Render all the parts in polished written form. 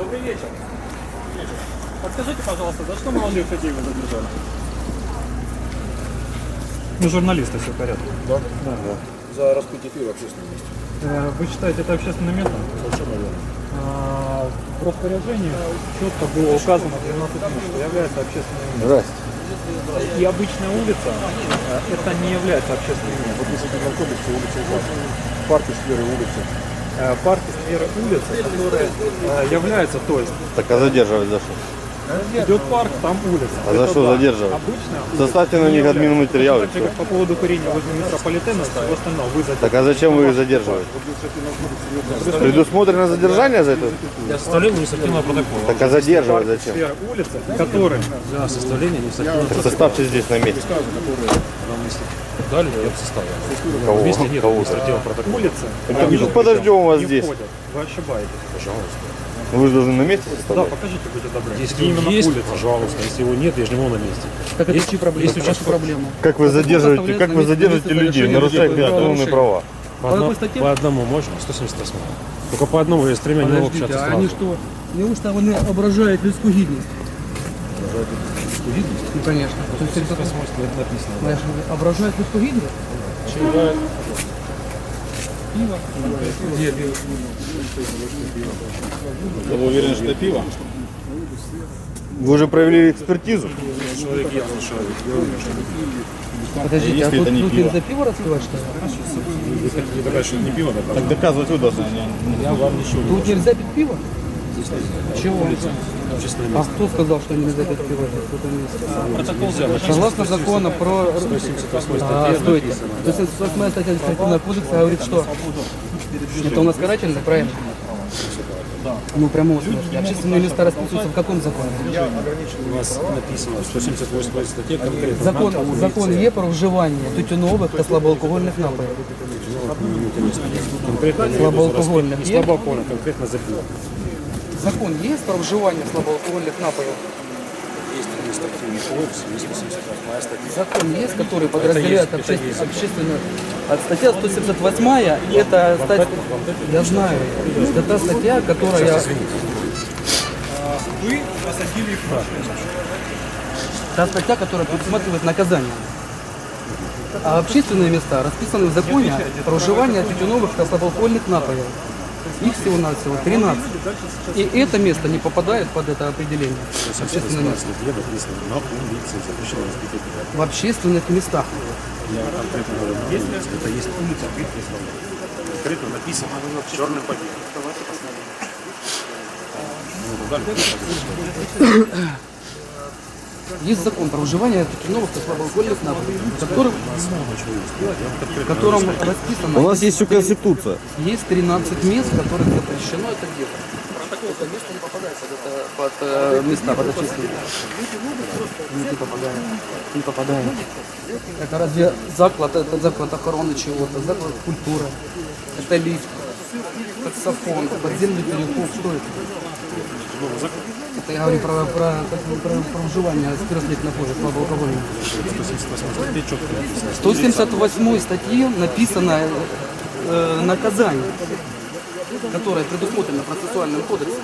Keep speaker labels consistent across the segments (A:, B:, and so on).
A: Добрый вечер. Подскажите, пожалуйста, за что молодых людей вы задержали? Мы журналисты, все в порядке.
B: Да?
A: Да.
B: За распитие пива в общественном месте.
A: Вы считаете, это общественное место?
B: Совершенно верно.
A: В распоряжении четко было указано 12 минут, что является общественным местом.
B: Здрасте.
A: И обычная улица, это не является общественным местом.
B: В административном кодексе улица указана. Парки, скверы, улицы.
A: Парки, скверы, улицы, которые являются, то есть
C: Так а задерживать за что?
A: идет парк, там улица.
C: А за
A: Это
C: что
A: да.
C: задерживать?
A: Обычно
C: Составьте на них админматериал.
A: так же, как по поводу курения возле метрополитена, всего остального вы задерживаете.
C: Так а зачем вы их задерживаете? Предусмотрено задержание за это?
D: Для составления административного протокола.
C: Так а задерживать зачем?
A: Сфера улицы, которые
D: Для составления административного
C: Так составьте здесь на месте.
D: протокола. Дали, я бы составил.
C: Кого?
D: Если нет
C: Кого?
D: административного протокола.
A: улицы
C: Так мы тут подождем вас
A: не
C: здесь.
A: входят. Вы ошибаетесь.
D: Пожалуйста.
C: Вы же должны на месте
A: Да,
C: составлять.
A: покажите, будьте добры.
D: Если
A: Именно
D: он есть,
A: улица.
D: пожалуйста. Если его нет, я же не на месте.
E: Так это
D: Есть-
E: чьи проблемы?
D: есть
E: Это ваша
D: участковый-
E: проблема.
C: Как вы задерживаете людей, нарушаете автономные права?
D: По,
E: По какой
D: одно-
E: статье?
D: по одному можно? 178. Только по одному я с тремя не могу
E: Подождите,
D: общаться
E: а
D: сразу.
E: они что? Неужто вони ображають людську гідність? Ну, конечно. То есть, это
D: написано.
E: знаешь, ображають людську гідність? Пиво. Где пиво?
B: Вы уверены, что это пиво?
C: Вы уже провели экспертизу?
D: Человек явно человек. Я уверен, что
E: Подождите,
B: Если
E: а тут
B: это не пиво.
E: нельзя пиво распивать, что ли?
D: вы хотите доказать, что это не пиво,
B: Так доказывать вы должны.
D: я вам ничего не
E: Тут нельзя пить пиво? Чего?
D: общественное
E: А
D: место.
E: кто сказал, что нельзя пить пиво в этом месте?
D: Протокол взял.
E: Согласно закону про...
D: 178
E: А,
D: статья
E: стойте. 178 статья административного кодекса говорит, что это у нас карательный, правильно? Ну, прямо смысле. Общественные места расписываются в каком законе?
D: У вас написано 178 статья конкретно.
E: Закон є про вживання тютюнових та слабоалкогольних напоїв.
D: Конкретно не
E: Слабоалкогольных
D: Не
E: есть?
D: слабоалкогольных, конкретно за пиво.
E: Закон є про вживання слабоалкогольних напоїв?
D: Есть административный кодекс, есть 178 статья.
E: Закон есть, который подразделяет общественную... Статья 178, это статья... Я знаю. Это та статья, которая...
A: Вы посадили их в машину.
E: Та статья, которая предусматривает наказание. А общественные места расписаны в законе про вживание тютюновых и слабоалкогольных напоев. Их всего-навсего 13. И это место не попадает под это определение. Общественное место.
D: Статья написано на улице, запрещено распитие пива.
E: В общественных местах.
D: Я конкретно говорю, это есть улица, конкретно написано черным по белому.
E: Есть закон про вживание тютюновых и слабоалкогольных напоев, в котором расписано...
C: У нас есть еще Конституция.
E: Есть 13 мест, в которых запрещено это делать. Это место не попадает под места, под общественные. Не попадает. Не попадает. Это разве заклад, это заклад охраны чего-то, заклад культуры, это лифт, таксофон, подземный переход, что это? Это я говорю про вживание спиртных напоев, слабоалкогольных. 178 статье написано наказание, которое предусмотрено процессуальным кодексом.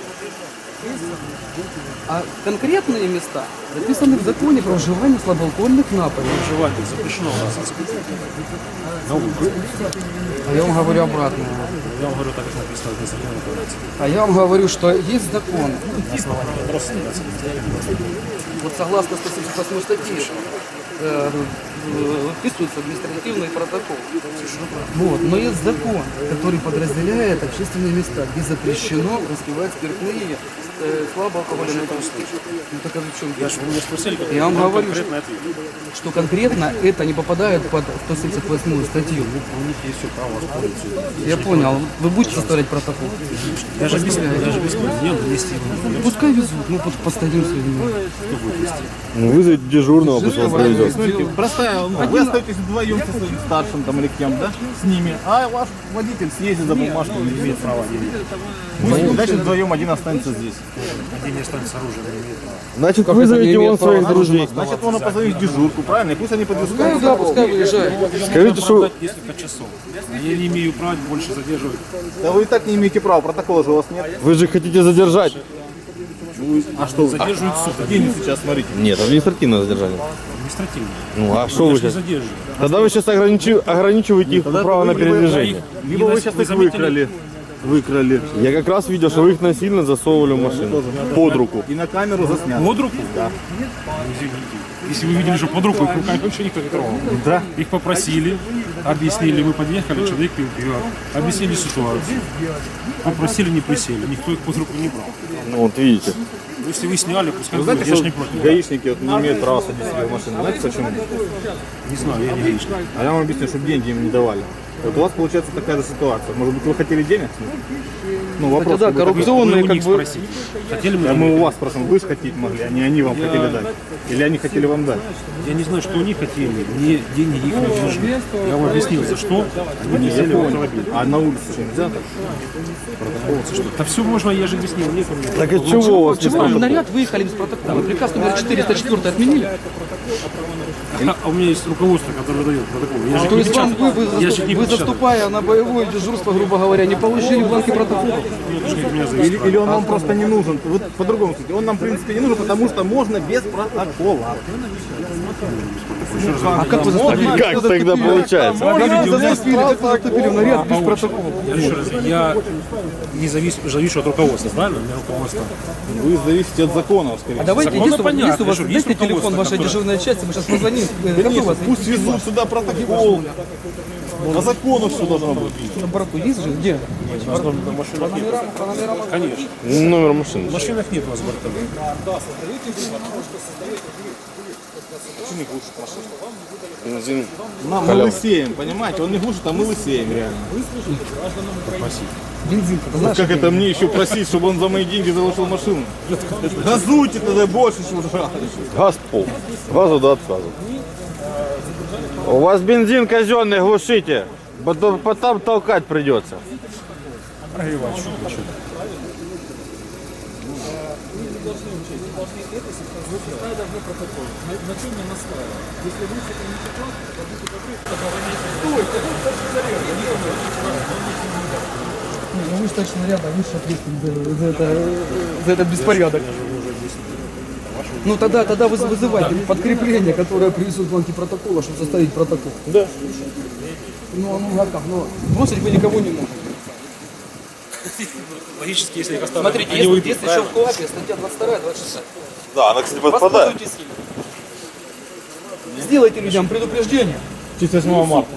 E: А конкретные места записаны в законе про вживание слабоалкогольных напоев.
D: Вживание запрещено у нас распитие. На улице.
E: А я вам говорю обратное.
D: Я вам говорю, так как написано в административном кодексе.
E: А я вам говорю, что есть закон.
D: На основании вопроса
E: Вот согласно 178 статье вписывается административный протокол. Вот. Но есть закон, который подразделяет общественные места, где запрещено распивать спиртные, слабоалкогольные напитки. Ну так а в чем?
D: Я же вы меня спросили, как
E: Я вам говорю,
D: конкретно ответ.
E: что конкретно это не попадает под 178 статью.
D: У них есть все право воспользоваться.
E: Я понял. Вы будете составлять протокол?
D: Я же без меня вместе.
E: Пускай везут, мы тут постоим с людьми.
C: Ну, вызовите дежурного, пусть он проведет.
B: Простая, вы остаетесь вдвоем со своим старшим там или кем, да, с ними, а ваш водитель съездит за бумажку, не имеет права ездить. Дальше вдвоем один останется здесь.
D: Один не останется оружием, не имеет права.
C: Значит,
E: Как это
C: вызовите
E: не
C: он
E: имеет
C: своих
E: права?
C: друзей.
B: Значит, он позовет дежурку, правильно? И пусть они подвезут.
E: Ну да, пускай выезжает.
C: Скажите, что
D: Оправдать несколько часов. Я не имею права больше задерживать.
B: Да вы и так не имеете права, протокола же у вас нет.
C: вы же хотите задержать.
B: А что вы?
D: Задерживают суд.
B: Где они сейчас, смотрите?
C: Нет, административное задержание.
D: Административно.
C: Ну а что
D: Я
C: вы
D: ж не
C: сейчас?
D: задерживаю.
C: Тогда вы сейчас ограничиваете их право на передвижение.
B: Либо вы сейчас
D: Вы
B: их
D: заметили?
B: выкрали.
C: Я как раз видел, что вы их насильно засовывали в машину. Под руку.
B: И на камеру заснято.
D: Под руку? Да. Извините. Если вы видели, что под руку, их руками вообще никто не трогал.
B: Да.
D: Их попросили, объяснили, мы подъехали, человек пил пиво, объяснили ситуацию. Попросили, не присели, никто их под руку не брал.
C: Ну вот видите.
D: Если вы сняли, пускай
B: Вы
D: будет,
B: знаете,
D: я ж
B: что
D: не против.
B: гаишники вот не имеют права садить себе в машину? Знаете почему?
D: Не знаю, я не гаишник.
B: А я вам объясню, чтобы деньги им не давали. Вот у вас получается такая же ситуация. Может быть, вы хотели денег? Ну, вопрос.
E: да,
B: как бы,
E: коррупционные
D: Вы у
E: как
D: них
E: бы...
D: спросите. Хотели мы
B: Да
D: денег?
B: мы у вас спросим, вы же хотеть могли, а не они вам хотели дать. Или они хотели вам дать.
D: Я не знаю, что они хотели, мне деньги их не нужны. Я вам объяснил, за что они не взяли в автомобиль.
B: А на улице что, нельзя так?
D: Да все можно, я же объяснил, нет у меня.
C: Так от чего у вас не
E: Чего вы в
C: протокол?
E: наряд выехали без протокола? Приказ номер 404 отменили?
D: А у меня есть руководство, которое дает протокол. Я же
E: То
D: не
E: есть вам
D: печатаю. Я же не
E: вы
D: печатаю.
E: заступая на боевое дежурство, грубо говоря, не получили бланки протокола?
D: Это же не от меня зависит.
B: Или он вам просто не нужен. Вы по-другому скажите. Он нам, в принципе, не нужен, потому что можно без протокола.
E: А как вы заступили?
C: Как тогда получается?
E: Как вы заступили в наряд без протокола?
D: Еще раз, я не завишу от руководства, правильно? У меня руководство.
B: Вы зависите от законов, скорее
E: А
B: всего.
E: давайте,
D: Законно
E: если,
D: понятно,
E: если у вас
D: что есть
E: дайте телефон
D: руководство,
E: вашей
D: которое-
E: дежурной части, мы сейчас позвоним. Какой у
B: Конечно,
E: вас?
B: пусть везут сюда протокол. По закону все должно быть.
E: На борту есть же? Где?
D: Конечно.
C: Номер машины.
D: В машинах нет у вас бортовых.
C: Бензин.
B: Мы лысеем, понимаете? Он не глушит, а мы лысеем реально.
E: Бензин. Ты знаешь,
B: Как это мне еще просить, чтобы он за мои деньги заложил машину? Газуйте тогда больше, что жрали.
C: Газ пол. Газу до отказа. У вас бензин казенный, глушите. Потом толкать придется.
D: Прогревать, что-то.
E: вы же точно рядом, вы же ответственны за этот беспорядок. Ну тогда вы вызывайте подкрепление, которое привезут бланки протокола, чтобы составить протокол.
D: Да.
E: Ну а как? Ну, бросить вы никого не можете.
D: Логически, если их оставят,
E: Смотрите,
D: они уйдут,
E: если еще
D: правильно?
E: в КОАПе статья 22, 26.
C: Да, она, кстати, подпадает.
E: Воспользуйтесь ей. Сделайте людям предупреждение.
B: 8 марта.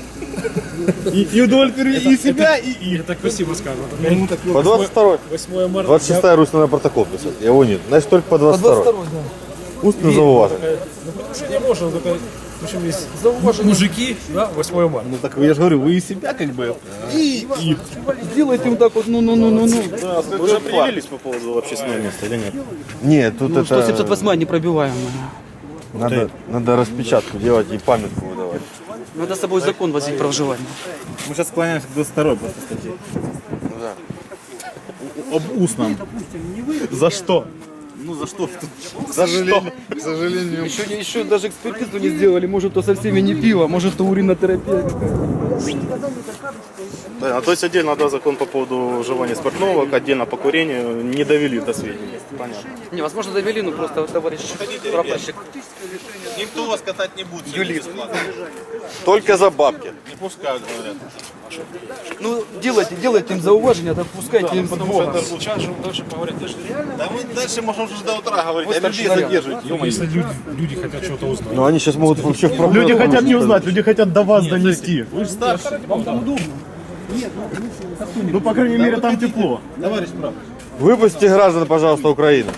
B: И удовлетворили и себя, и их.
D: Я так красиво сказано.
C: По 22
D: 8 марта.
C: 26 Русь надо протокол писать. Его нет. Значит, только по
E: По
C: 22
E: 22, да.
C: Устно зауважено.
D: Не можно, только в общем, есть
E: Зауважение.
D: мужики, да, 8 марта.
B: Ну так я же говорю, вы и себя как бы, и их.
E: Сделайте вот так вот, ну.
C: Вы уже определились по поводу общественного места или нет? Нет, тут это...
E: 178 непробиваемая.
C: Надо распечатку делать и памятку выдавать.
E: Надо с собой закон возить про вживание.
B: Мы сейчас склоняемся к 22 просто статье.
C: Да.
B: Об устном. За что? Ну за что? К сожалению. К сожалению.
E: Еще даже экспертизу не сделали, может то со всеми не пиво, может то уринотерапия какая-то.
C: Да, то есть отдельно, да, закон по поводу вживания спиртного, отдельно по курению не довели до сведения. Понятно.
E: Не, возможно довели, но просто товарищ прапорщик.
B: Никто вас катать не будет.
C: Только за бабки.
B: Не пускают, говорят.
E: Ну, делайте им зауважение, да пускайте им под Бога.
D: Сейчас же дальше поговорят.
B: Да мы дальше можем уже до утра говорить,
E: Вот
B: а людей
E: старший
B: задерживать.
D: Если люди хотят что-то узнать.
C: Но они сейчас могут вообще в проблему.
B: Люди хотят не узнать, люди хотят до вас донести.
D: Вы же старше.
B: Ну, по крайней мере, там тепло. Товарищ прав.
C: Выпустите граждан, пожалуйста, Украины.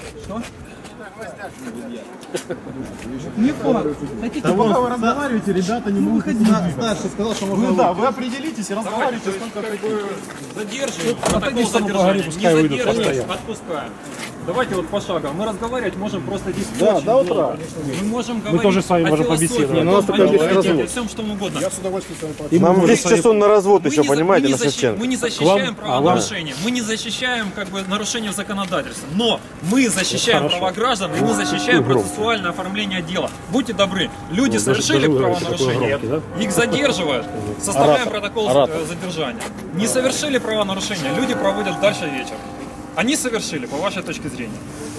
B: Да вы разговариваете, ребята не могут ходить. Старший сказал, что можно... Да, вы определитесь и разговаривайте, сколько хотите.
F: Задерживаем, протокол задержания, не задерживаем, отпускаем. Давайте вот пошагово. Мы разговаривать можем просто здесь очень
B: до утра.
F: долго. Мы можем говорить
D: тоже с вами
F: о
D: можем
F: философии,
D: побеседовать.
F: о
D: Но у нас
F: том,
D: такой
F: о
D: есть
F: политике,
D: развод.
F: о всем, что угодно.
C: Нам 10 часов на развод еще, понимаете, на
F: мы
C: Шевченко.
F: не защищаем правонарушения, мы не защищаем как бы нарушения законодательства, но мы защищаем права граждан и мы защищаем процессуальное оформление дела. Будьте добры, люди совершили
D: даже вы
F: правонарушение,
D: такой громкий,
F: их задерживают, составляем протокол задержания. Не совершили правонарушения, люди проводят дальше вечер. Они совершили, по вашей точке зрения.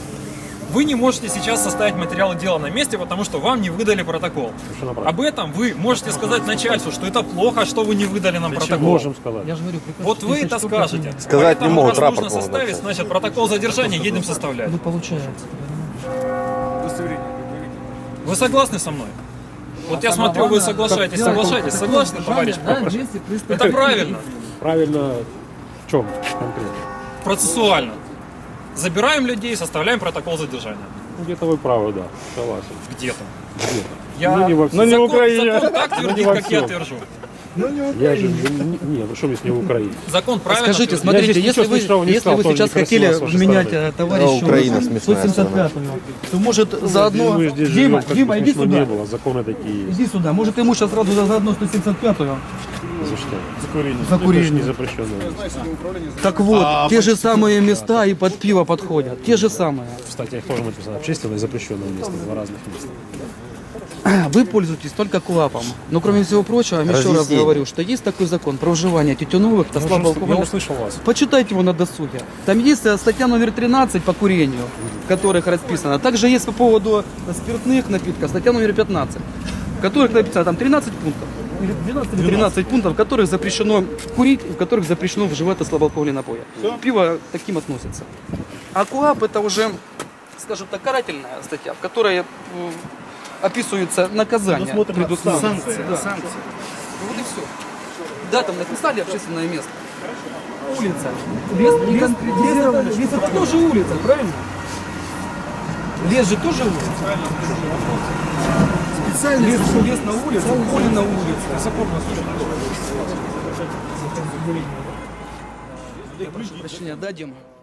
F: Вы не можете сейчас составить материалы дела на месте, потому что вам не выдали протокол. Об этом вы можете сказать начальству, что это плохо, что вы не выдали нам протокол.
D: Можем сказать.
E: Я же говорю, приказ
F: Вот вы это
E: 34
F: скажете.
C: Сказать не
F: Поэтому
C: могут,
F: раз
C: рапорт
F: нужно
C: могут
F: составить,
C: написать.
F: значит, протокол задержания едем составлять.
E: Ну, получается.
F: Вы согласны со мной? Вот я смотрю, вы соглашаетесь, соглашаетесь. Согласны, товарищ прапорщик? Это правильно,
D: Правильно в чем конкретно?
F: процессуально. Забираем людей, составляем протокол задержания.
D: Ну, где-то вы правы, да, согласен.
F: Где-то.
D: Где-то.
F: Я...
D: Ну, не во всем.
C: Ну, не в
F: закон,
C: Украине.
F: закон так
D: Ну,
F: твердит,
D: не во
F: как я
D: всем.
F: твержу.
D: Я же, не, ну что мне с не в Украине?
F: Закон правильно
E: Скажите,
F: твердит.
E: смотрите,
D: здесь
E: если
D: ничего
E: вы,
D: смешного не
E: если
D: сказал,
E: вы
D: тоже
E: сейчас
D: некрасиво
E: хотели
D: с вашей
E: вменять
D: стороны.
E: товарищу
C: Украина смешная
E: 175-ю, то может заодно...
D: Мы здесь
E: Дима,
D: живем, как
E: Дима,
D: бы
E: иди
D: смешно
E: сюда.
D: не было, законы такие есть.
E: Иди сюда, может ему сейчас сразу заодно 175-ю
D: За что?
E: за
D: Это же
E: курение.
D: не запрещено.
E: Так вот, те же самые места и под пиво подходят, те же самые.
D: Кстати, их тоже написано. Общественное и запрещенное место. Два разных места.
E: Вы пользуетесь только КУАПом. Но кроме всего прочего, я вам еще раз
C: Разъяснение.
E: говорю, что есть такой закон про вживание тютюновых,
D: Я
E: слабоалкогольных.
D: услышал вас.
E: Почитайте его на досуге. Там есть статья номер 13 по курению, в которых расписано. Также есть по поводу спиртных напитков статья номер 15, в которых написано там 13 пунктов. Или 12 или 13 пунктов, в которых запрещено курить, в которых запрещено вживать слабоалкогольные напои. Пиво к таким относится. А КУАП это уже, скажем так, карательная статья, в которой описываются наказания. Санкции. Да. Вот и все. Да, там написали общественное место. Улица. Лес конкретизировано. Лес это тоже улица, правильно? Лес же тоже улица. Специально лес на улице, поле на улице. Я прошу прощения, да, Дима?